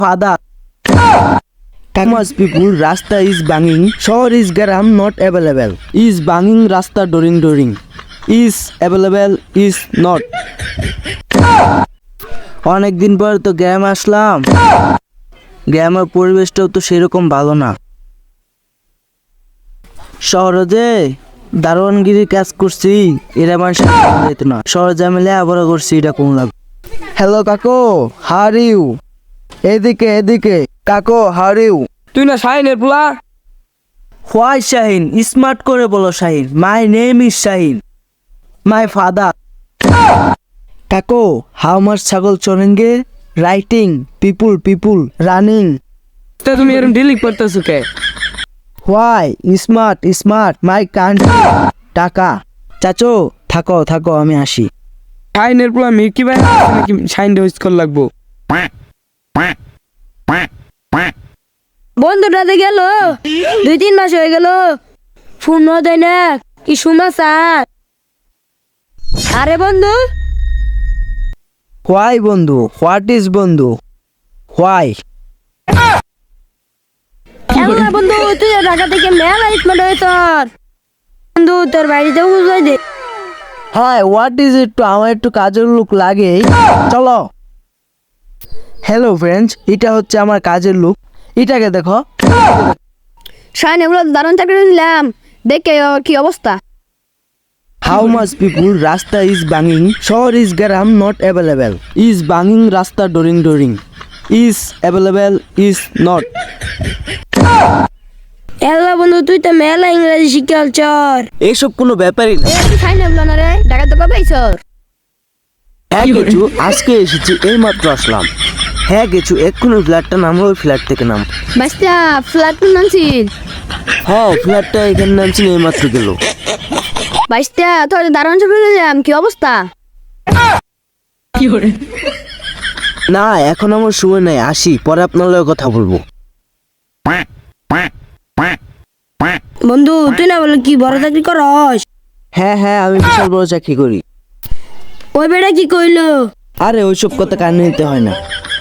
Father, Kamas people, Rasta is banging. Shore is garam not available. Is banging Rasta during. Is available is not. অনেক দিন পর তো গ্রামে আসলাম। গ্রামের পরিবেশটাও তো সেরকম ভালো না। শহরে যে দারোয়ানগিরি কাজ করছি এরা মানুষ যেত না। শহরে জামিলে আবার করছি এটা কোন লাভ। হ্যালো কাকু, হাউ ইউ? এদিকে কাকু, হাউ ইউ? তুই না শাহিনের পোলা? হোয়াই শাহিন? স্মার্ট করে বলো Shahin. My name is Shahin. My father. কাকু, হাউ মাচ ছাগল চলেঙ্গে? রাইটিং পিপুল রানিং। তা তুমি এরকম ডিলিট করতেছো কে? Why smart my country. টাকা। চাচো থাকো আমি আসি। শাহিনের পোলা মির্কি ভাই নাকি শাহিন হোস্ট কর লাগবো? বন্ধুটাতে গেল 2-3 মাস হয়ে গেল, ফোন দেয় না। কি সমাচার? আরে বন্ধু, হোয়াই বন্ধু? হোয়াট ইজ বন্ধু? হোয়াই? এলা বন্ধু, তুই ঢাকা থেকে মেলা স্মার্ট হয়ে তোর বন্ধু, তোর বাড়িতে বুঝাই দে। Hi, what is it? তো আমার একটু কাজের লোক লাগে, চলো। হ্যালো ফ্রেন্ডস, এটা হচ্ছে আমার কাজের লোক। এটাকে দেখো। শাইন এগুলো দারুণ চাকরি দিলাম, দেখে ওর কি অবস্থা। হাউ মাচ পিপুল, রাস্তা ইজ বাঙিং, শহর ইজ গ্রাম নট অ্যাভেলেবেল। ইজ বাঙিং রাস্তা ডোরিং। Is available is not. এলা বন্ধু, তুই তো মেলা ইংরেজি শিখাল চর। এইসব কোনো ব্যাপারই না। তুই শাইন এগুলো না রে, ঢাকা তো কবে আইছর? হ্যাঁ গেছু, আজকে এসেছি, এই মাত্র আসলাম। হ্যাঁ গেছু, এক্ষুনি ফ্ল্যাটটা নামলো, ওই ফ্ল্যাট থেকে নাম। বাস্তা ফ্ল্যাট নামছিস? হ্যাঁ, ফ্ল্যাটটা এখানে নামছি, এই মাত্র গেল। বাস্তা তোর দারুণ চাকরি দিলাম, কি অবস্থা? না, এখন আমার সময় নাই, আসি, পরে আপনার লগে কথা বলবো। বন্ধু, তুই না বলে কি বড় চাকরি করস? হ্যাঁ, আমি বিশাল বড় চাকরি করি। ওই বেটা কি কইলো? আরে ওইসব কথা কানে নিতে হয় না।